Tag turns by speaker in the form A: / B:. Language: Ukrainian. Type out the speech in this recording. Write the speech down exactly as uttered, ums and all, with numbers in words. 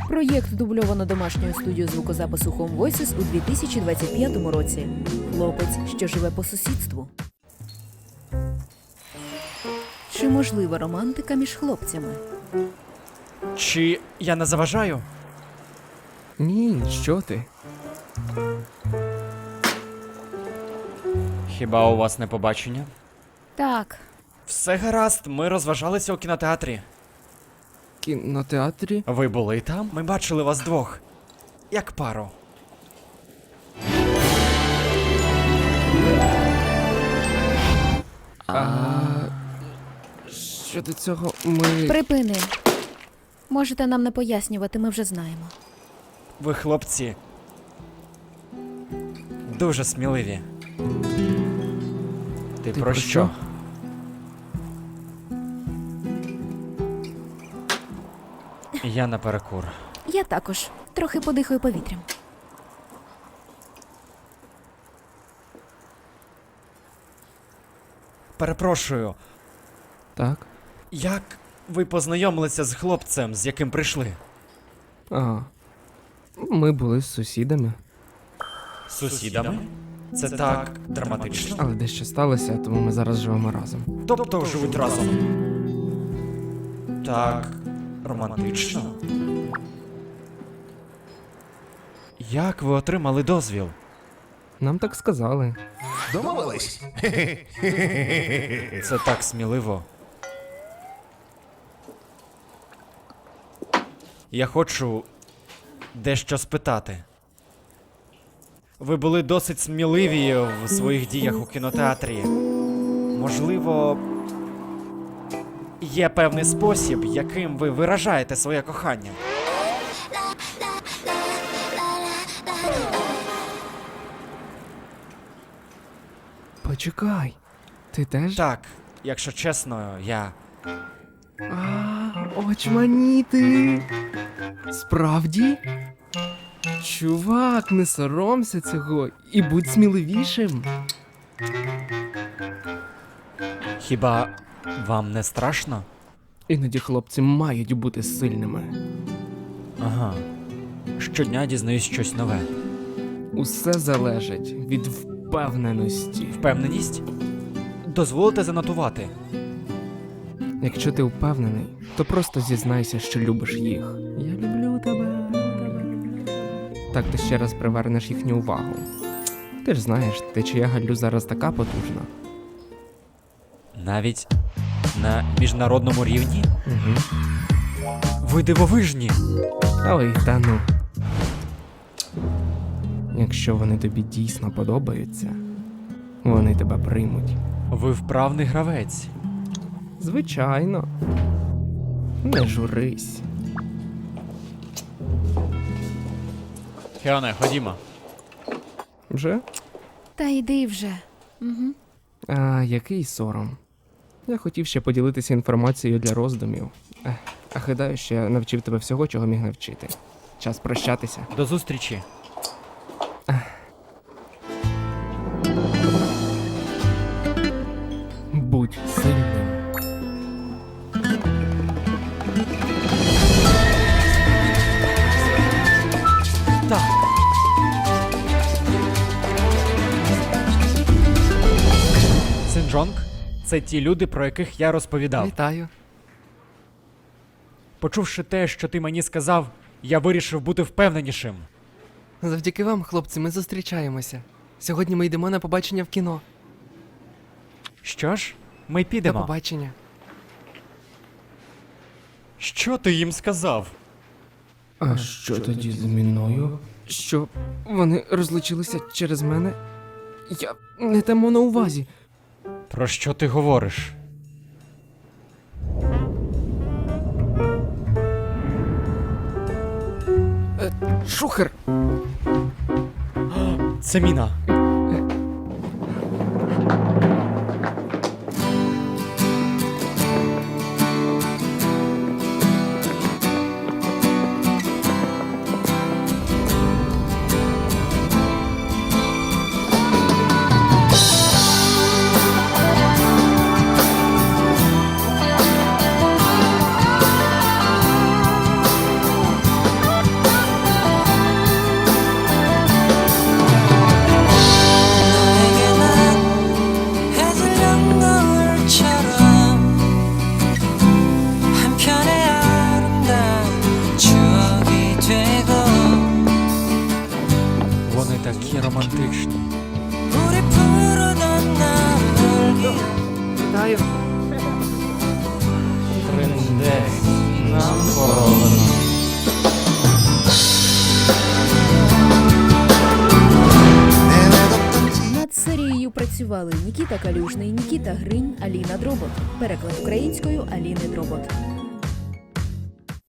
A: Проєкт дубльовано домашньою студією звукозапису Home Voices у дві тисячі двадцять п'ятому році. Хлопець, що живе по сусідству. Чи можлива романтика між хлопцями?
B: Чи я не заважаю?
C: Ні, що ти?
B: Хіба у вас не побачення?
A: Так.
B: Все гаразд, ми розважалися у кінотеатрі.
C: Кінотеатрі?
B: Ви були там? Ми бачили вас двох. Як пару.
C: А щодо цього ми.
A: Припини. Можете нам не пояснювати, ми вже знаємо.
B: Ви, хлопці, дуже сміливі. Ти,
C: Ти
B: про
C: про
B: що?
C: що?
B: Я наперекур.
A: Я також. Трохи подихаю повітрям.
B: Перепрошую,
C: Так.
B: як ви познайомилися з хлопцем, з яким прийшли?
C: А. Ми були з сусідами,
B: З сусідами? Це так драматично.
C: але дещо сталося, тому ми зараз живемо разом.
B: Тобто живуть разом. Так романтично. Як ви отримали дозвіл?
C: Нам так сказали.
D: Домовились?
B: Це так сміливо. Я хочу дещо спитати. Ви були досить сміливі в своїх діях у кінотеатрі. Можливо, є певний спосіб, яким ви виражаєте своє кохання.
C: Почекай. Ти теж?
B: Так, якщо чесно, я.
C: А, очманіти. Справді? Чувак, не соромся цього і будь сміливішим.
B: Хіба вам не страшно?
C: Іноді хлопці мають бути сильними.
B: Ага. Щодня дізнаюсь щось нове.
C: Усе залежить від впевненості.
B: Впевненість? Дозволите занотувати.
C: Якщо ти впевнений, то просто зізнайся, що любиш їх. Я люблю тебе. Так ти ще раз привернеш їхню увагу. Ти ж знаєш, течія Галлю зараз така потужна.
B: Навіть на міжнародному рівні?
C: Угу.
B: Ви дивовижні!
C: Ой, та ну. Якщо вони тобі дійсно подобаються, вони тебе приймуть.
B: Ви вправний гравець.
C: Звичайно. Не журись.
B: Хеоне, ходімо.
C: Вже?
A: Та йди вже. Угу.
C: А, який сором. Я хотів ще поділитися інформацією для роздумів. Ех, а гадаю, що я навчив тебе всього, чого міг навчити. Час прощатися.
B: До зустрічі.
C: Будь сильним.
B: Так. Синджонг – це ті люди, про яких я розповідав.
C: Вітаю.
B: Почувши те, що ти мені сказав, я вирішив бути впевненішим.
E: Завдяки вам, хлопці, ми зустрічаємося. Сьогодні ми йдемо на побачення в кіно.
B: Що ж, ми
E: До
B: підемо.
E: побачення.
B: Що ти їм сказав?
C: А що тоді з мною? Що вони розлучилися через мене? Я не те мав на увазі.
B: Про що ти говориш?
C: Шухер!
B: Це міна.
A: працювали Нікіта Калюжний, Нікіта Гринь, Аліна Дробот. Переклад українською Аліни Дробот.